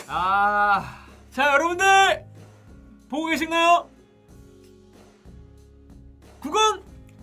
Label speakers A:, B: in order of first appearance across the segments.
A: 자 여러분들 보고 계신가요? 구건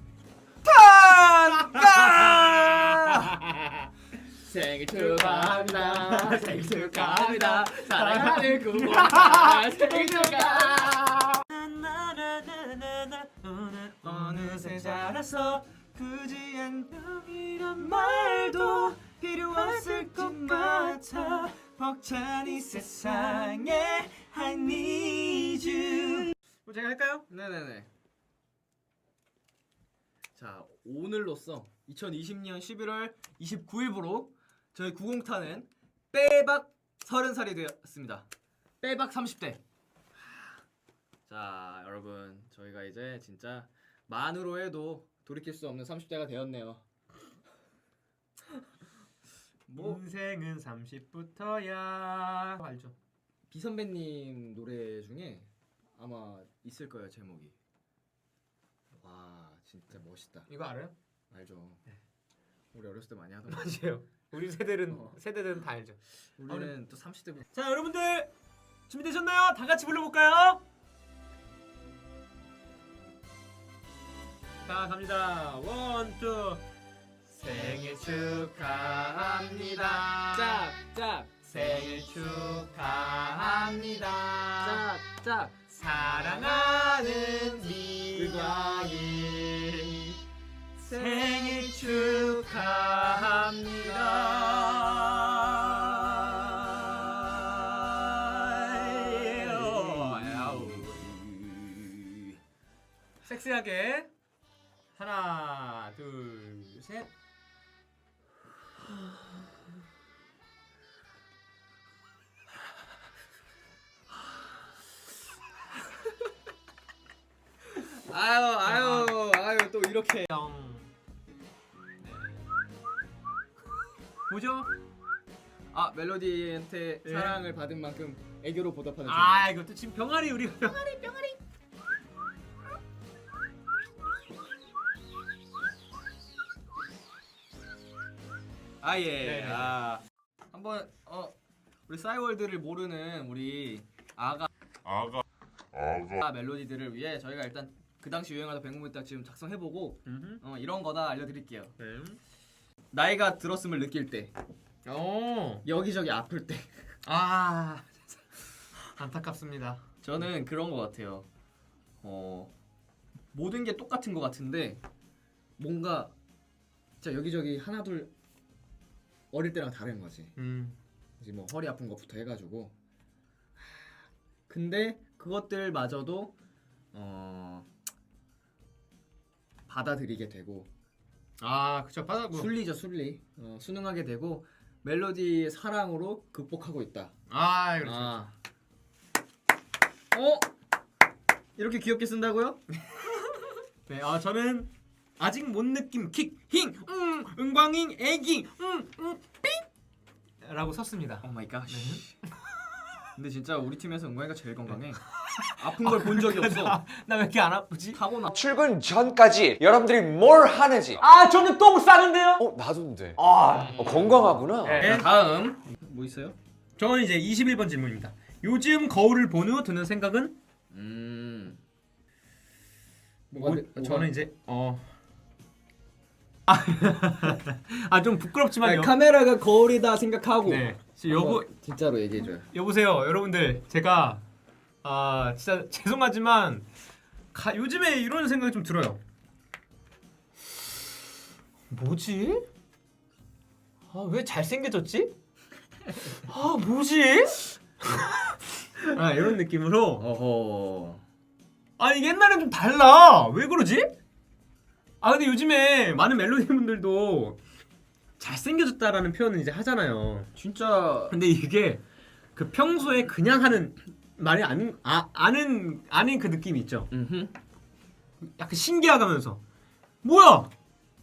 A: 탄!
B: 생일 축하합니다. 생일 축하합니다. 사랑하는 구공탄 생일 축하.
A: 오늘 어느새 자라서 굳이 안녕이란 말도 필요 없을 것 같아. 벅찬 이 세상에 I need you. 제가 할까요?
B: 네네네. 자, 오늘로써 2020년 11월 29일부로 저희 구공탄은 빼박 30살이 되었습니다. 빼박 30대. 자, 여러분 저희가 이제 진짜 만으로 해도 돌이킬 수 없는 30대가 되었네요.
A: 뭐 인생은 30부터야 알죠?
B: 비선배님 노래 중에 아마 있을 거예요, 제목이. 와, 진짜 멋있다.
A: 이거 알아요?
B: 알죠?
A: 네.
B: 우리 어렸을 때 많이 하던 거.
A: 맞아요. 우리 세대들은 다 알죠.
B: 우리는 또 30대부터.
A: 자 여러분들 준비되셨나요? 다 같이 불러볼까요? 자 갑니다. 원, 투. 생일 축하합니다.
B: 짝!
A: 생일 축하합니다.
B: 짝!
A: 사랑하는 미광이 생일 축하합니다. 섹시하게 하나, 둘, 셋.
B: 아유 또 이렇게.
A: 네. 뭐죠?
B: 아, 멜로디한테
A: 네.
B: 사랑을 받은 만큼 애교로 보답하는.
A: 아 이것도 지금 병아리 우리 병아리.
B: 아, 예.
A: 네네.
B: 한번 우리 싸이월드를 모르는 우리 아가 멜로디들을 위해 저희가 일단 그 당시 유행하던 백무비 딱 지금 작성해보고 이런 거다 알려드릴게요.
A: 네.
B: 나이가 들었음을 느낄 때,
A: 오.
B: 여기저기 아플 때.
A: 아 안타깝습니다.
B: 저는 그런 거 같아요. 모든 게 똑같은 거 같은데 뭔가 진짜 여기저기 하나둘 어릴 때랑 다른 거지. 이제 뭐 허리 아픈 것부터 해가지고. 근데 그것들마저도 받아들이게 되고.
A: 아 그쵸 받아고.
B: 순리죠, 순리. 순응하게 되고 멜로디의 사랑으로 극복하고 있다.
A: 아 그렇죠.
B: 이렇게 귀엽게 쓴다고요?
A: 네, 저는 아직 못 느낌 킥힝 은광잉 애기 삥라고 썼습니다.
B: 오 마이 갓. 근데 진짜 우리 팀에서 은광이가 제일 건강해. 아픈 걸 본 적이 없어.
A: 나 왜 이렇게 안 아프지?
B: 타고나.
C: 출근 전까지 여러분들이 뭘 하는지.
A: 저는 똥 싸는데요.
C: 나도인데. 건강하구나.
A: 네.
B: 다음 뭐 있어요?
A: 저는 이제 21번 질문입니다. 요즘 거울을 본 후 드는 생각은? 저는 이제 좀 부끄럽지만요.
B: 카메라가 거울이다 생각하고.
A: 네.
B: 진짜로 얘기해줘요.
A: 여보세요, 여러분들. 제가 진짜 죄송하지만 요즘에 이런 생각이 좀 들어요. 뭐지? 왜 잘생겨졌지? 뭐지? 이런 느낌으로.
B: 어허.
A: 아니 옛날엔 좀 달라. 왜 그러지? 근데 요즘에 많은 멜로디 분들도 잘생겨졌다라는 표현을 이제 하잖아요.
B: 진짜.
A: 근데 이게 그 평소에 그냥 하는 말이 아는 그 느낌이 있죠. 약간 신기하다면서 뭐야?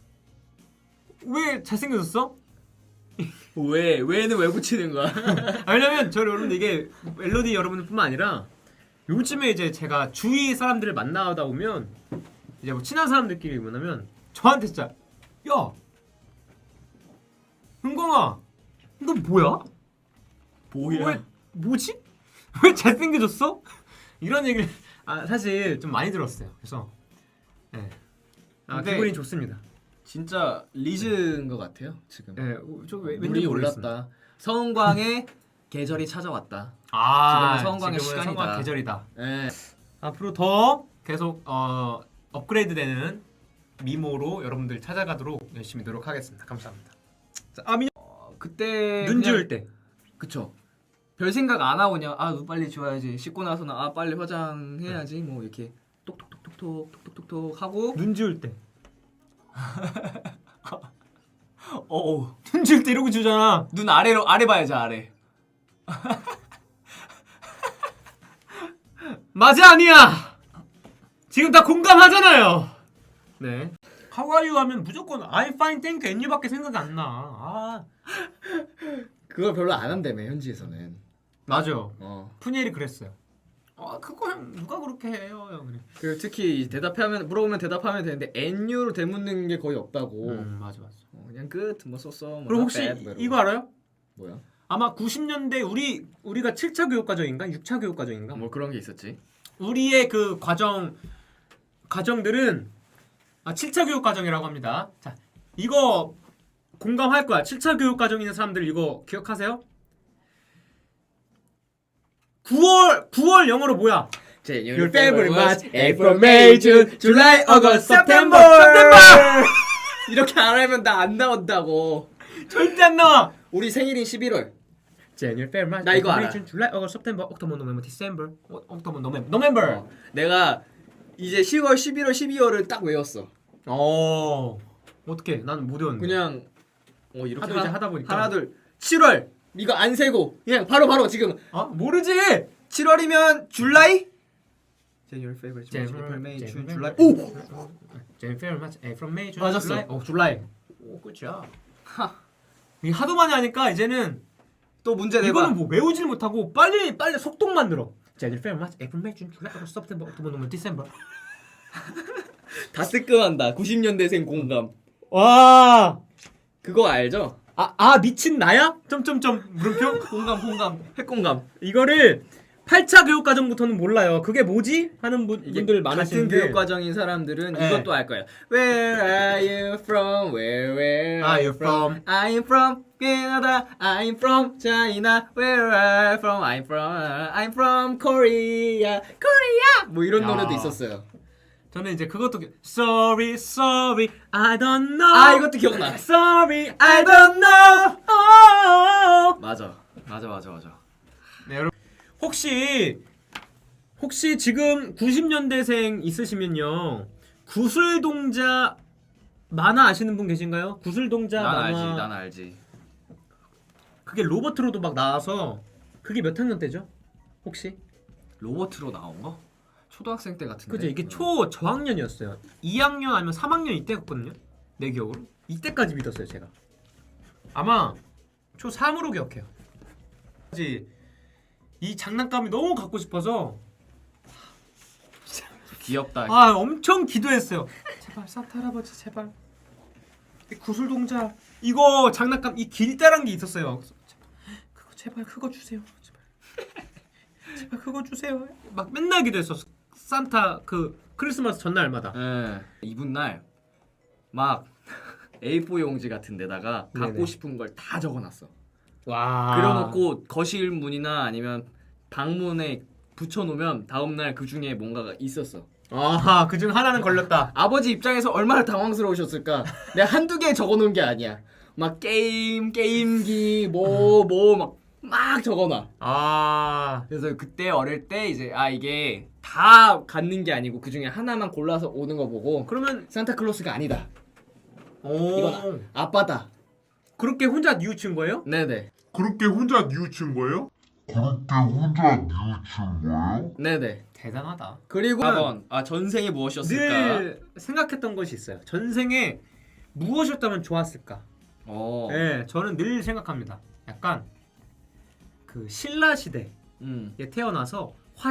A: 왜 잘생겨졌어?
B: 왜는 왜 붙이는 거야?
A: 왜냐면 저 여러분들 이게 멜로디 여러분들뿐만 아니라 요즘에 이제 제가 주위 사람들을 만나다 보면 이제 뭐 친한 사람들끼리 만나면 저한테 진짜 야 은광아 너 뭐야?
B: 뭐야?
A: 뭐지? 왜 잘생겨졌어? 이런 얘기를 사실 좀 많이 들었어요. 그래서 네.
B: 근데
A: 기분이 좋습니다.
B: 진짜 리즈인 것 같아요 지금.
A: 네,
B: 물이 올랐다. 서은광의 계절이 찾아왔다.
A: 지금은
B: 서은광의
A: 지금은
B: 시간이다.
A: 서은광 계절이다.
B: 네.
A: 앞으로 더 계속 업그레이드되는 미모로 여러분들 찾아가도록 열심히 노력하겠습니다. 감사합니다. 자, 민혁
B: 그때
A: 눈
B: 그냥-
A: 지울 때.
B: 그쵸. 별 생각 안 하고 그냥 눈 빨리 지워야지. 씻고 나서는 빨리 화장해야지. 뭐 이렇게 톡톡톡톡톡톡톡톡 하고
A: 눈 지울 때. 눈 지울 때 이러고 지우잖아.
B: 눈 아래 봐야지 아래.
A: 맞아 아니야. 지금 다 공감하잖아요. 네. How are you 하면 무조건 I'm fine, thank you, and you밖에 생각이 안 나.
B: 그걸 별로 안 한다며 현지에서는.
A: 맞아.
B: 푸니엘이
A: 그랬어요. 그거 누가 그렇게 해요? 그래.
B: 그 특히 물어보면 대답하면 되는데 NU로 대묻는 게 거의 없다고.
A: 맞아.
B: 그냥 끝 뭐 썼어. 뭐
A: 그리고 혹시
B: not bad, 뭐 이러고.
A: 이거 알아요?
B: 뭐야?
A: 아마 90년대 우리가 7차 교육 과정인가 6차 교육 과정인가?
B: 뭐 그런 게 있었지.
A: 우리의 그 과정들은 7차 교육 과정이라고 합니다. 자, 이거 공감할 거야. 7차 교육 과정 있는 사람들 이거 기억하세요? 9월 영어로 뭐야?
B: Your
A: favorite month,
B: April, May, June, July, August, September. 이렇게 안 하면 나 안 나온다고.
A: 절대 안 나와.
B: 우리 생일인 11월.
A: January, February, March,
B: 나 이거
A: April, May,
B: 알아.
A: June, July, August, September, October, November, December, October, November.
B: 내가 이제 10월, 11월, 12월을 딱 외웠어.
A: 어떻게? 나는 못 외웠는데.
B: 그냥 이렇게
A: 하도 이제 하다 보니까.
B: 하나 둘 7월 이거 안 세고 그냥 바로 지금
A: 모르지.
B: 7월이면 줄라이? January, February, March, April, May, June, July. 오!
A: January, February, March, April, May, June,
B: 맞았어.
A: July. July. 오, 끝이야. 이 하도 많이 하니까 이제는
B: 또 문제 내봐.
A: 이거는 뭐 외우질 못하고 빨리 속도만 늘어. January, February, March, April, May, June, July, August, September, October, November, December.
B: 다 뜨끔한다. 90년대생 공감.
A: 와.
B: 그거 알죠?
A: 미친 나야? 점점점 물음표.
B: 공감. 핵공감.
A: 이거를 8차 교육 과정부터는 몰라요. 그게 뭐지? 하는 분들
B: 같은
A: 많으신데.
B: 교육 과정인 사람들은
A: 네.
B: 이것도 알 거예요. Where are you from? Where
A: are you from?
B: I'm from Canada. I'm from China. Where are you from? I'm from Korea. Korea. 뭐 이런
A: 야.
B: 노래도 있었어요.
A: 저는 이제 그것도 Sorry, I don't know.
B: 이것도 기억나.
A: Sorry, I don't know.
B: 맞아.
A: 네, 여러분 혹시 지금 90년대생 있으시면요 구슬 동자 만화 아시는 분 계신가요? 구슬 동자 만화.
B: 난 알지.
A: 그게 로버트로도 막 나와서 그게 몇 학년 때죠? 혹시?
B: 로버트로 나온 거? 초등학생 때 같은데.
A: 그죠? 이게 저학년이었어요. 2학년 아니면 3학년 이때였거든요. 내 기억으로. 이때까지 믿었어요, 제가. 아마 초3으로 기억해요. 이 장난감이 너무 갖고 싶어서
B: 귀엽다.
A: 엄청 기도했어요. 제발 산타 할아버지 제발. 이 구슬 동자 이거 장난감 이 길다란 게 있었어요. 제발 그거 주세요. 제발 그거 주세요. 막 맨날 기도했었어. 산타 그 크리스마스 전날마다.
B: 이분 날 막 A4 용지 같은 데다가 갖고
A: 네네.
B: 싶은 걸 다 적어놨어.
A: 와.
B: 그려놓고 거실 문이나 아니면 방문에 붙여놓으면 다음날 그 중에 뭔가가 있었어.
A: 그중 하나는 걸렸다.
B: 아버지 입장에서 얼마나 당황스러우셨을까. 내가 한두 개 적어놓은 게 아니야. 막 게임기 막 적어놔. 그래서 그때 어릴 때 이제 이게 다 갖는 게 아니고 그 중에 하나만 골라서 오는 거 보고
A: 그러면
B: 산타클로스가 아니다. 이건 아빠다.
A: 그렇게 혼자 뉘우친 거예요?
B: 네네.
D: 그렇게 혼자 뉘우친 거예요?
B: 네네.
A: 대단하다.
B: 그리고 4번 전생에 무엇이었을까?
A: 늘 생각했던 것이 있어요. 전생에 무엇이었다면 좋았을까? 네, 저는 늘 생각합니다. 약간 그 신라 시대에 태어나서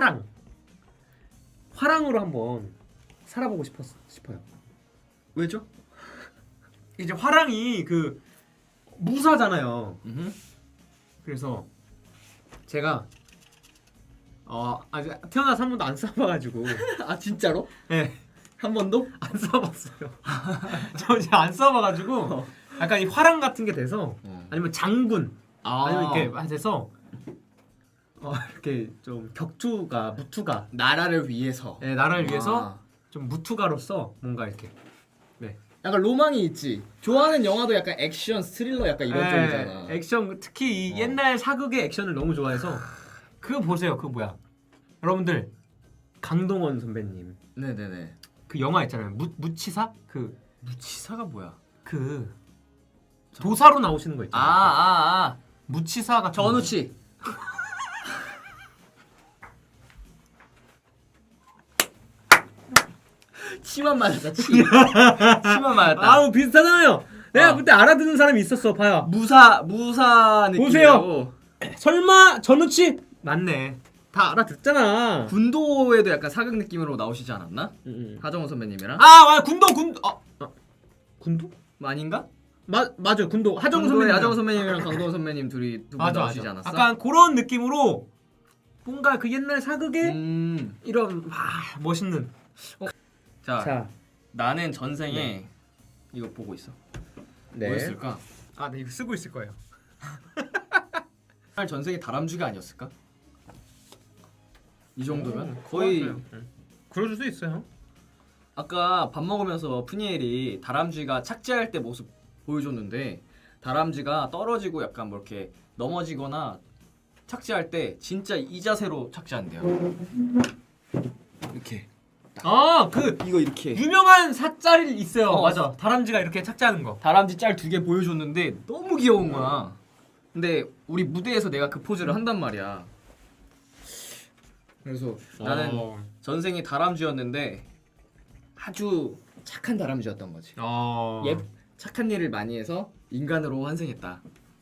A: 화랑으로 한번 살아보고 싶어요.
B: 왜죠?
A: 이제 화랑이 그 무사잖아요. 그래서 제가 아직 태어나서 한 번도 안 써봐가지고.
B: 아 진짜로?
A: 네.
B: 한 번도?
A: 안 써봤어요. 저 이제 안 써봐가지고 약간 이 화랑 같은 게 돼서 아니면 장군 아니면 이렇게 돼서 이렇게 좀 무투가
B: 나라를 위해서.
A: 네, 나라를 위해서 좀 무투가로서 뭔가 이렇게
B: 약간 로망이 있지. 좋아하는 영화도 약간 액션, 스릴러 약간 이런 쪽이잖아.
A: 액션 특히 이 옛날 사극의 액션을 너무 좋아해서 그거 보세요. 그 뭐야 여러분들 강동원 선배님
B: 네네네.
A: 그 영화 있잖아요. 무치사
B: 무치사가 뭐야?
A: 그 도사로 나오시는 거 있잖아요. 무치사 같은
B: 전우치. 치만 맞았다. 치만 맞았다.
A: 아우 비슷하잖아요. 내가 그때 알아듣는 사람이 있었어. 봐요.
B: 무사 느낌.
A: 보세요. 설마 전우치 맞네. 다 알아듣잖아.
B: 군도에도 약간 사극 느낌으로 나오시지 않았나? 하정우 선배님이랑.
A: 군도 군도?
B: 아닌가?
A: 맞아 군도 하정우
B: 군도에
A: 선배님.
B: 하정우 선배님이랑 강동원 선배님 둘이 두 분 나오시지 않았어?
A: 약간 그런 느낌으로 뭔가 그 옛날 사극의 이런 멋있는.
B: 자, 나는 전생에 이거 보고 있어.
A: 네.
B: 뭐였을까?
A: 네 이거 쓰고 있을 거예요.
B: 전생에 다람쥐가 아니었을까? 이 정도면 거의.
A: 그럴 수 있어요.
B: 아까 밥 먹으면서 푸니엘이 다람쥐가 착지할 때 모습 보여줬는데 다람쥐가 떨어지고 약간 뭐 이렇게 넘어지거나 착지할 때 진짜 이 자세로 착지한대요. 이렇게.
A: 이거
B: 이렇게
A: 유명한 사짤이 있어요.
B: 맞아.
A: 맞아. 다람쥐가 이렇게 착지하는 거.
B: 다람쥐 짤 2개 보여줬는데 너무 귀여운 거야. 근데 우리 무대에서 내가 그 포즈를 한단 말이야. 그래서 나는 전생이 다람쥐였는데 아주 착한 다람쥐였던 거지. 착한 일을 많이 해서 인간으로 환생했다.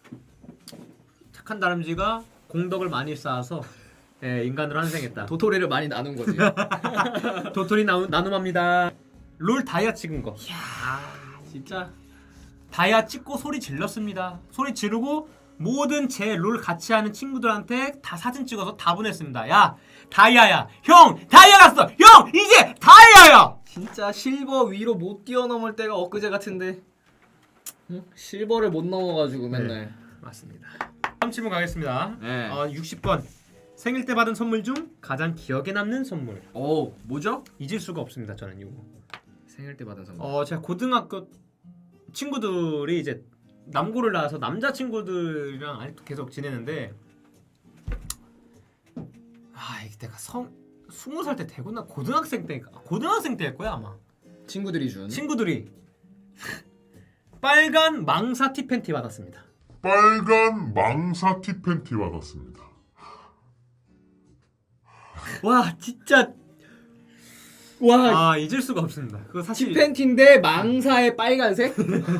A: 착한 다람쥐가 공덕을 많이 쌓아서 인간으로 환생했다.
B: 도토리를 많이 나눈 거지.
A: 도토리 나눔합니다. 롤 다이아 찍은 거.
B: 진짜
A: 다이아 찍고 소리 질렀습니다. 소리 지르고 모든 제 롤 같이 하는 친구들한테 다 사진 찍어서 다 보냈습니다. 야 다이아야. 형 다이아 갔어. 형 이제 다이아야.
B: 진짜 실버 위로 못 뛰어넘을 때가 엊그제 같은데 실버를 못 넘어가지고 맨날.
A: 맞습니다. 다음 질문 가겠습니다.
B: 네.
A: 60번 생일 때 받은 선물 중 가장 기억에 남는 선물.
B: 뭐죠?
A: 잊을 수가 없습니다. 저는 이거.
B: 생일 때 받은 선물.
A: 제가 고등학교 친구들이 이제 남고를 나와서 남자 친구들이랑 아직도 계속 지내는데 이게 내가 20살 때 되구나. 고등학생 때일 거야 아마.
B: 친구들이 준.
A: 친구들이 빨간 망사 티 팬티 받았습니다.
D: 빨간 망사 티 팬티 받았습니다.
B: 와 진짜. 와
A: 잊을 수가 없습니다. 그거 사실
B: 티팬티인데 망사에 빨간색?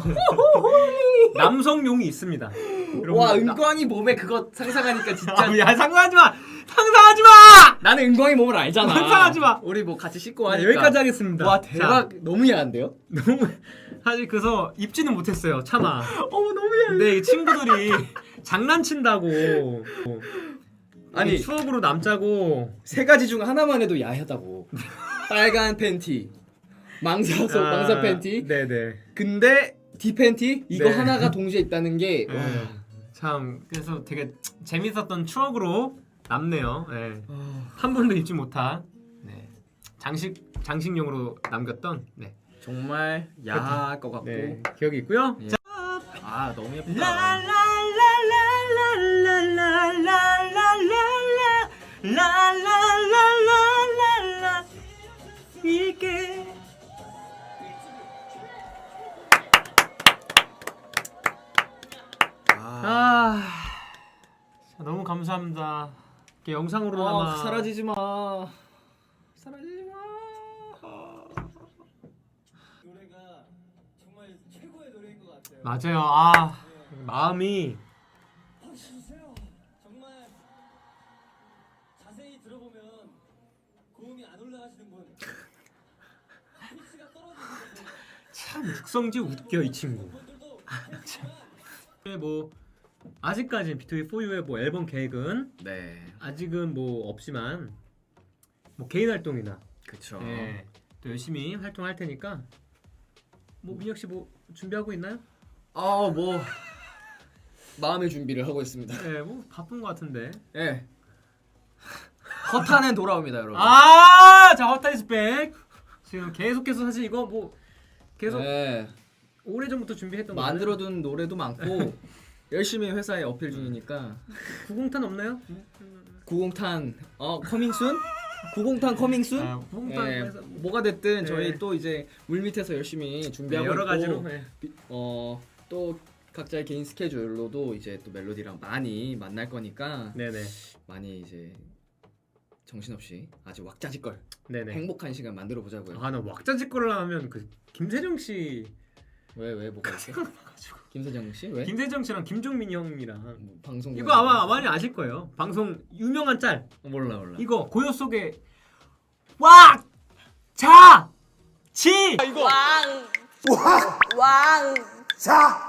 A: 남성용이 있습니다.
B: 와 은광이 몸에 그거 상상하니까 진짜.
A: 야 상상하지 마.
B: 나는 은광이 몸을 알잖아.
A: 상상하지 마.
B: 우리 뭐 같이 씻고 하니까.
A: 여기까지 하겠습니다.
B: 와 대박. 너무 야한데요?
A: 너무 사실 그래서 입지는 못했어요. 차마.
B: 너무 야해.
A: 근데 이 친구들이 장난친다고.
B: 아니
A: 추억으로 남자고.
B: 세 가지 중 하나만 해도 야하다고. 빨간 팬티, 망사 팬티.
A: 네네.
B: 근데 디 팬티 이거
A: 네.
B: 하나가 동시에 있다는 게.
A: 참 그래서 되게 재밌었던 추억으로 남네요. 한 번도 입지 못한 장식용으로 남겼던
B: 정말 야할 것 같고.
A: 기억이 있고요.
B: 예.
A: 자,
B: 너무 예쁘다.
A: 라라라라라라라라라라라라라 이게 너무 감사합니다. 이렇게 영상으로나마
B: 사라지지 마.
E: 노래가 정말 최고의 노래인 것 같아요.
A: 맞아요. 마음이
E: 정말 자세히 들어보면 고음이 안 올라가시는 분, 피치가 떨어지는
A: 참 육성지 웃겨 이 친구.
E: 분들도
A: 뭐 아직까지 B2B4U의 뭐 앨범 계획은
B: 네.
A: 아직은 뭐 없지만 뭐 개인 활동이나
B: 그쵸.
A: 예, 또 열심히 활동할 테니까 뭐 민혁 씨 뭐 준비하고 있나요?
B: 뭐 마음의 준비를 하고 있습니다.
A: 예, 뭐 바쁜 것 같은데.
B: 예. 허탄은 돌아옵니다, 여러분.
A: 자 헛타이스 백. 지금 계속해서 사실 이거 뭐 계속
B: 네.
A: 오래 전부터 준비했던
B: 만들어둔 노래도 많고 열심히 회사에 어필 중이니까.
A: 90탄 없나요?
B: 90탄 커밍순? 90탄 커밍순?
A: 아, 90탄
B: 예,
A: 해서
B: 뭐가 됐든
A: 네.
B: 저희 또 이제 물밑에서 열심히 준비하고
A: 여러
B: 있고
A: 가지로. 예.
B: 또 각자의 개인 스케줄로도 이제 또 멜로디랑 많이 만날 거니까
A: 네네.
B: 많이 이제 정신없이 아주 왁자지껄
A: 네네.
B: 행복한 시간 만들어 보자고요.
A: 나 왁자지껄을 하면 그 김세정 씨,
B: 왜 뭐가 있어? 김세정 씨 왜?
A: 김세정 씨랑 김종민 형이랑
B: 뭐 방송
A: 이거 아마 많이 아실 거예요. 방송 유명한 짤.
B: 몰라.
A: 이거 고요 속에 왁! 자! 지!
F: 왕. 자.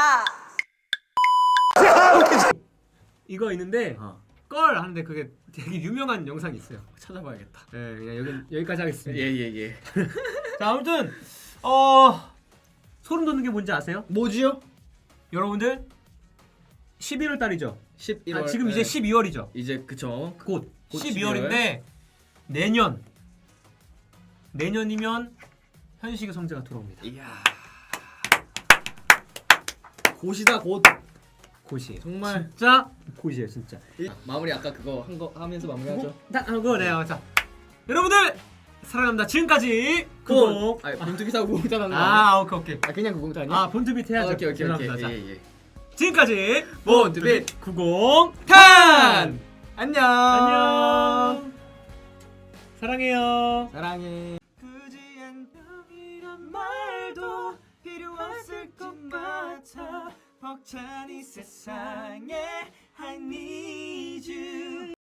A: 이거 있는데 껄 하는데 그게 되게 유명한 영상이 있어요.
B: 찾아봐야겠다.
A: 네, 그냥 여기까지 하겠습니다.
B: 예.
A: 자, 아무튼 소름 돋는 게 뭔지 아세요?
B: 뭐지요?
A: 여러분들 11월 달이죠.
B: 11월.
A: 지금 이제 12월이죠.
B: 이제 그쵸.
A: 곧
B: 곧
A: 12월인데 내년이면 현식의 성재가 돌아옵니다.
B: 이야. 곧이다 곧.
A: 곧이에요.
B: 정말.
A: 진짜 곧이에요, 진짜.
B: 마무리 아까 그거 한 거 하면서 마무리하죠.
A: 그거네요. 자, 여러분들 사랑합니다. 지금까지 구독.
B: 본투비 사고 구공탄
A: 오케이.
B: 그냥 구공탄이야?
A: 본투빗 해야죠.
B: 오케이.
A: 죄송합니다. 자,
B: 예.
A: 지금까지
B: 본투빗
A: 90
B: 탄. 안녕.
A: 안녕. 사랑해요.
B: 사랑해.
A: 굳이 안녕이란 말도 필요 없을 것 같아 벅찬 이 세상에 I need you